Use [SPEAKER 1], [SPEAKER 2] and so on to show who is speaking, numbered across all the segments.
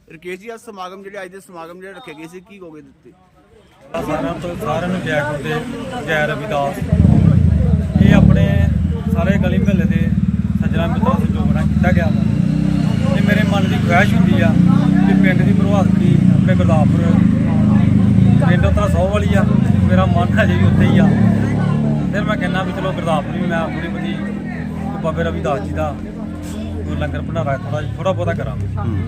[SPEAKER 1] ਰਕੇਸ਼ ਜੀ, ਅੱਜ ਸਮਾਗਮ ਜਿਹੜੇ ਅੱਜ ਦੇ ਸਮਾਗਮ ਜਿਹੜੇ ਰੱਖੇ ਗਏ ਸੀ, ਕੀ ਕਹੋਗੇ ਦਿੱਤੇ?
[SPEAKER 2] ਸਾਰਿਆਂ ਨੂੰ ਜੈ ਗੁਰੂ ਦੇ ਜੈ ਰਵਿਦਾਸ। ਇਹ ਆਪਣੇ ਸਾਰੇ ਗਲੀ ਮਹੱਲੇ ਦੇ ਸੱਜਣਾ ਮਿੱਤਰਾਂ ਸਹਿਯੋਗ ਨਾਲ ਕੀਤਾ ਗਿਆ ਵਾ। ਤੇ ਮੇਰੇ ਮਨ ਦੀ ਖੁਆਇਸ਼ ਹੁੰਦੀ ਆ ਕਿ ਪਿੰਡ ਦੀ ਪ੍ਰਭਾਤਪੁਰੀ ਆਪਣੇ ਗੁਰਦਾਸਪੁਰ ਪਿੰਡ ਉੱਤਰਾ 100 ਵਾਲੀ ਆ, ਮੇਰਾ ਮਨ ਹਜੇ ਵੀ ਉੱਥੇ ਹੀ ਆ। ਫਿਰ ਮੈਂ ਕਹਿੰਦਾ ਵੀ ਚਲੋ ਗੁਰਦਾਸਪੁਰ ਵੀ ਮੈਂ ਆਪਣੀ ਬਦੀ ਬਾਬੇ ਰਵਿਦਾਸ ਜੀ ਦਾ ਲੰਗਰ ਭੰਡਾਰਾ ਥੋੜਾ ਬਹੁਤਾ ਕਰਾਂ।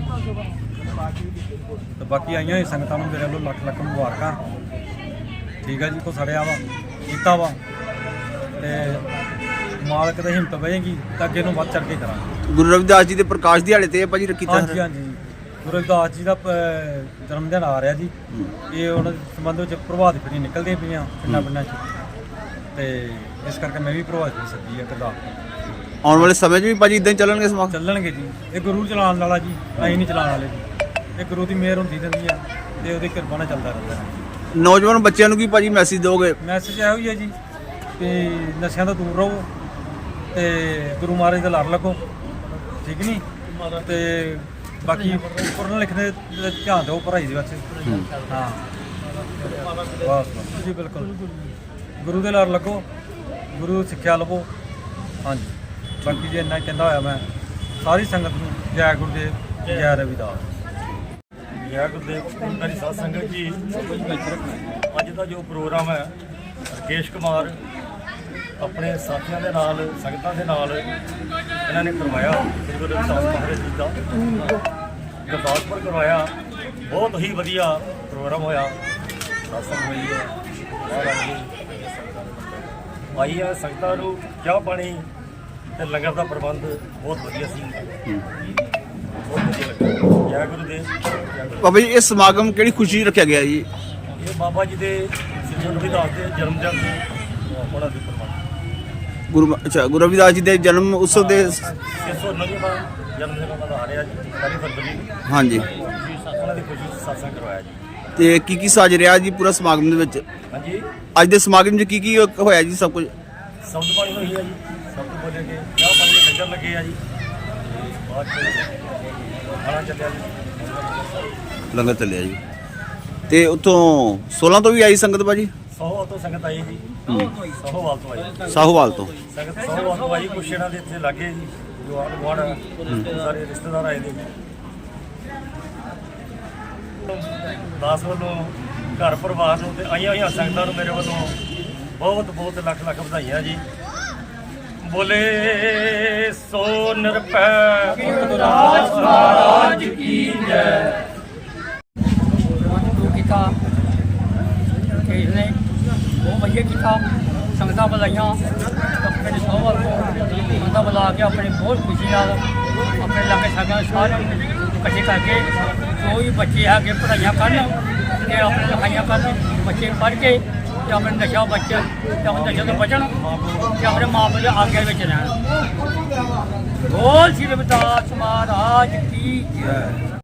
[SPEAKER 2] ਤੇ ਬਾਕੀ ਆਈਆਂ ਹੋਈ ਸੰਗਤਾਂ ਨੂੰ ਮੇਰੇ ਵੱਲੋਂ ਲੱਖ ਲੱਖ ਮੁਬਾਰਕਾਂ। ਠੀਕ ਹੈ ਜੀ, ਕੋ ਸੜਿਆ ਵਾ ਕੀਤਾ ਵਾ ਤੇ ਮਾਲਕ ਦੀ ਹਿੰਮਤ ਵਧੇਗੀ ਤਾਂ ਅੱਗੇ ਨੂੰ ਵੱਧ ਚੜ ਕੇ ਕਰਾਂਗੇ।
[SPEAKER 1] ਗੁਰੂ ਰਵਿਦਾਸ ਜੀ ਦੇ ਪ੍ਰਕਾਸ਼ ਦਿਹਾੜੇ ਤੇ ਭਾਜੀ ਰੱਖੀ ਤਾਂ
[SPEAKER 2] ਹਾਂਜੀ ਹਾਂਜੀ, ਗੁਰੂ ਰਵਿਦਾਸ ਜੀ ਦਾ ਜਨਮ ਦਿਨ ਆ ਰਿਹਾ ਜੀ। ਇਹ ਉਹਨਾਂ ਦੇ ਸੰਬੰਧ ਵਿੱਚ ਪ੍ਰਭਾਤ ਫੇਰੀ ਨਿਕਲਦੀਆਂ ਪਈਆਂ ਪਿੰਡਾਂ ਪਿੰਡਾਂ 'ਚ, ਤੇ ਇਸ ਕਰਕੇ ਮੈਂ ਵੀ ਪ੍ਰਭਾਤ ਫੇਰੀ ਸੱਦੀ ਆ ਗੁਰਦਾਸਪੁਰ।
[SPEAKER 1] ਆਉਣ ਵਾਲੇ ਸਮੇਂ 'ਚ ਵੀ ਭਾਜੀ ਇਦਾਂ ਹੀ ਚੱਲਣਗੇ ਸਮਾਗਮ?
[SPEAKER 2] ਚੱਲਣਗੇ ਜੀ, ਇਹ ਗੁਰੂ ਚਲਾਉਣ ਵਾਲਾ ਜੀ, ਅਸੀਂ ਨਹੀਂ ਚਲਾਉਣ ਵਾਲੇ ਜੀ। ਇਹ ਗੁਰੂ ਦੀ ਮਿਹਰ ਹੁੰਦੀ ਰਹਿੰਦੀ ਆ ਤੇ ਉਹਦੀ ਕਿਰਪਾ ਨਾਲ ਚੱਲਦਾ ਰਹਿੰਦਾ ਹੈ।
[SPEAKER 1] ਨੌਜਵਾਨ ਬੱਚਿਆਂ ਨੂੰ ਕੀ ਭਾਜੀ ਮੈਸੇਜ ਦਿਓਗੇ?
[SPEAKER 2] ਮੈਸੇਜ ਇਹੋ ਹੀ ਹੈ ਜੀ ਕਿ ਨਸ਼ਿਆਂ ਤੋਂ ਦੂਰ ਰਹੋ ਤੇ ਗੁਰੂ ਮਹਾਰਾਜ ਦਾ ਲੜ ਲੱਗੋ, ਠੀਕ ਨਹੀਂ? ਤੇ ਬਾਕੀ ਪੜ੍ਹਨ ਲਿਖਣ ਦੇ ਧਿਆਨ ਦਿਓ, ਪੜ੍ਹਾਈ ਦੇ ਵਿੱਚ। ਹਾਂ ਬਸ ਜੀ, ਬਿਲਕੁਲ ਗੁਰੂ ਦੇ ਲੜ ਲੱਗੋ, ਗੁਰੂ ਸਿੱਖਿਆ ਲਵੋ। ਹਾਂਜੀ, ਬਾਕੀ ਜੇ ਇੰਨਾ ਕਹਿੰਦਾ ਹੋਇਆ ਮੈਂ ਸਾਰੀ ਸੰਗਤ ਨੂੰ ਜੈ ਗੁਰਦੇਵ ਜੈ ਰਵਿਦਾਸ।
[SPEAKER 3] ਜੈ ਗੁਰਦੇਵ ਮੇਰੀ ਸਾਧ ਸੰਗਤ ਜੀ। ਅੱਜ ਦਾ ਜੋ ਪ੍ਰੋਗਰਾਮ ਹੈ ਰਕੇਸ਼ ਕੁਮਾਰ ਆਪਣੇ ਸਾਥੀਆਂ ਦੇ ਨਾਲ ਸੰਗਤਾਂ ਦੇ ਨਾਲ ਇਹਨਾਂ ਨੇ ਕਰਵਾਇਆ। ਸ੍ਰੀ ਗੁਰੂ ਰਵਿਦਾਸ ਮਹਾਰਾਜ ਜੀ ਦਾ ਗੁਰਦਾਸਪੁਰ ਕਰਵਾਇਆ। ਬਹੁਤ ਹੀ ਵਧੀਆ ਪ੍ਰੋਗਰਾਮ ਹੋਇਆ। ਸਾਸੰਗ ਹੋਈ ਹੈ, ਆਈ ਹੈ ਸੰਗਤਾਂ ਨੂੰ ਚਾਹ ਪਾਣੀ ਤੇ ਲੰਗਰ ਦਾ ਪ੍ਰਬੰਧ ਬਹੁਤ ਵਧੀਆ ਸੀ। ਬਹੁਤ ਵਧੀਆ ਲੱਗਾ। ਜੈ ਗੁਰੂਦੇਵ।
[SPEAKER 1] ਬਾਬਾ ਜੀ, ਇਹ ਸਮਾਗਮ ਕਿਹੜੀ ਖੁਸ਼ੀ ਰੱਖਿਆ ਗਿਆ ਜੀ?
[SPEAKER 3] ਇਹ ਬਾਬਾ ਜੀ ਦੇ ਸ੍ਰੀ ਗੁਰੂ ਰਵਿਦਾਸ ਦੇ ਜਨਮ ਦਿਨ ਦੇ ਉਹਨਾਂ ਦੀ ਪ੍ਰਬੰਧ
[SPEAKER 1] ਗੁਰੂ ਰਵਿਦਾਸ ਜੀ ਦੇ ਜਨਮ ਉਤਸਵ ਦੇ
[SPEAKER 3] 609ਵਾਂ ਜਨਮ ਦਿਨ ਉਹਨਾਂ ਦਾ ਆ ਰਿਹਾ ਜੀ, 1 ਫਰਵਰੀ।
[SPEAKER 1] ਹਾਂਜੀ,
[SPEAKER 3] ਉਹਨਾਂ ਦੀ ਖੁਸ਼ੀ 'ਚ ਸਤਸੰਗ ਕਰਵਾਇਆ ਜੀ।
[SPEAKER 1] ਤੇ ਕੀ ਸਾਜ ਰਿਹਾ ਜੀ ਪੂਰਾ ਸਮਾਗਮ ਦੇ ਵਿੱਚ?
[SPEAKER 3] ਹਾਂਜੀ,
[SPEAKER 1] ਅੱਜ ਦੇ ਸਮਾਗਮ 'ਚ ਕੀ ਹੋਇਆ ਜੀ? ਸਭ ਕੁਝ
[SPEAKER 3] ਸ਼ਬਦ ਬਾਣੀ ਹੋਈ ਹੈ ਜੀ, ਸ਼ਬਦ ਬੋਲੇ ਗਏ, ਚਾਹ ਪਾਣੀ ਦੇ ਲੰਗਰ ਲੱਗੇ ਆ ਜੀ। ਬਾਅਦ 'ਚ ਖਾਣਾ ਚੱਲਿਆ ਜੀ,
[SPEAKER 1] ਲੰਗਰ ਚੱਲਿਆ ਜੀ। ਤੇ ਉੱਥੋਂ 16 ਤੋਂ ਵੀ ਆਈ ਸੰਗਤ ਭਾਜੀ?
[SPEAKER 3] ਸੋਹਵਾਲ ਤੋਂ ਸੰਗਤ ਆਈ ਜੀ। ਸੋਹਵਾਲ ਤੋਂ ਆਈ
[SPEAKER 1] ਸਾਹੋਵਾਲ ਤੋਂ
[SPEAKER 3] ਸੰਗਤ, ਸੋਹਵਾਲ ਤੋਂ ਆਈ। ਕੁਛ ਇਹਨਾਂ ਦੇ ਇੱਥੇ ਲਾਗੇ ਜੀ ਜੋ ਆਂਢ ਗੁਆਂਢ ਸਾਰੇ ਰਿਸ਼ਤੇਦਾਰ ਆਏ ਨੇ। ਦਾਸ ਵੱਲੋਂ ਘਰ ਪਰਿਵਾਰ ਨੂੰ ਤੇ ਆਈਆਂ ਹੋਈਆਂ ਸੰਗਤਾਂ ਨੂੰ ਮੇਰੇ ਵੱਲੋਂ ਬਹੁਤ ਬਹੁਤ ਲੱਖ ਲੱਖ ਵਧਾਈਆਂ ਜੀ। ਬੋਲੇ ਸੋ ਨਿਰਭੈ ਗੁਰਦਾਸ ਮਹਾਰਾਜ ਕੀ ਜੈ।
[SPEAKER 4] ਕੀਤਾ ਕਿ ਇਸਨੇ ਬਹੁਤ ਵਧੀਆ ਕੀਤਾ। ਸੰਗਤਾਂ ਬੁਲਾਈਆਂ ਆਪਣੇ ਸੋਹਵਾਲ ਤੋਂ ਸੰਗਤਾਂ ਬੁਲਾ ਕੇ ਆਪਣੇ ਬਹੁਤ ਖੁਸ਼ੀ ਨਾਲ ਆਪਣੇ ਲਾਗੇ ਸਾਗਾਂ ਸਾਰਿਆਂ ਨੂੰ ਇਕੱਠੇ ਕਰਕੇ ਜੋ ਵੀ ਬੱਚੇ ਹੈਗੇ ਪੜ੍ਹਾਈਆਂ ਕਰਨ ਤੇ ਆਪਣੇ ਲਿਖਾਈਆਂ ਕਰਨ, ਬੱਚੇ ਪੜ੍ਹ ਕੇ ਤੇ ਆਪਣੇ ਨਸ਼ਾ ਬੱਚੇ ਤੇ ਆਪਣੇ ਨਸ਼ੇ ਤੋਂ ਬਚਣ ਤੇ ਆਪਣੇ ਮਾਂ ਪਿਓ ਦੇ ਆਗਿਆ ਵਿੱਚ ਰਹਿਣ। ਬੋਲ ਸ੍ਰੀ ਰਵਿਦਾਸ ਮਹਾਰਾਜ ਕੀ ਜੈ।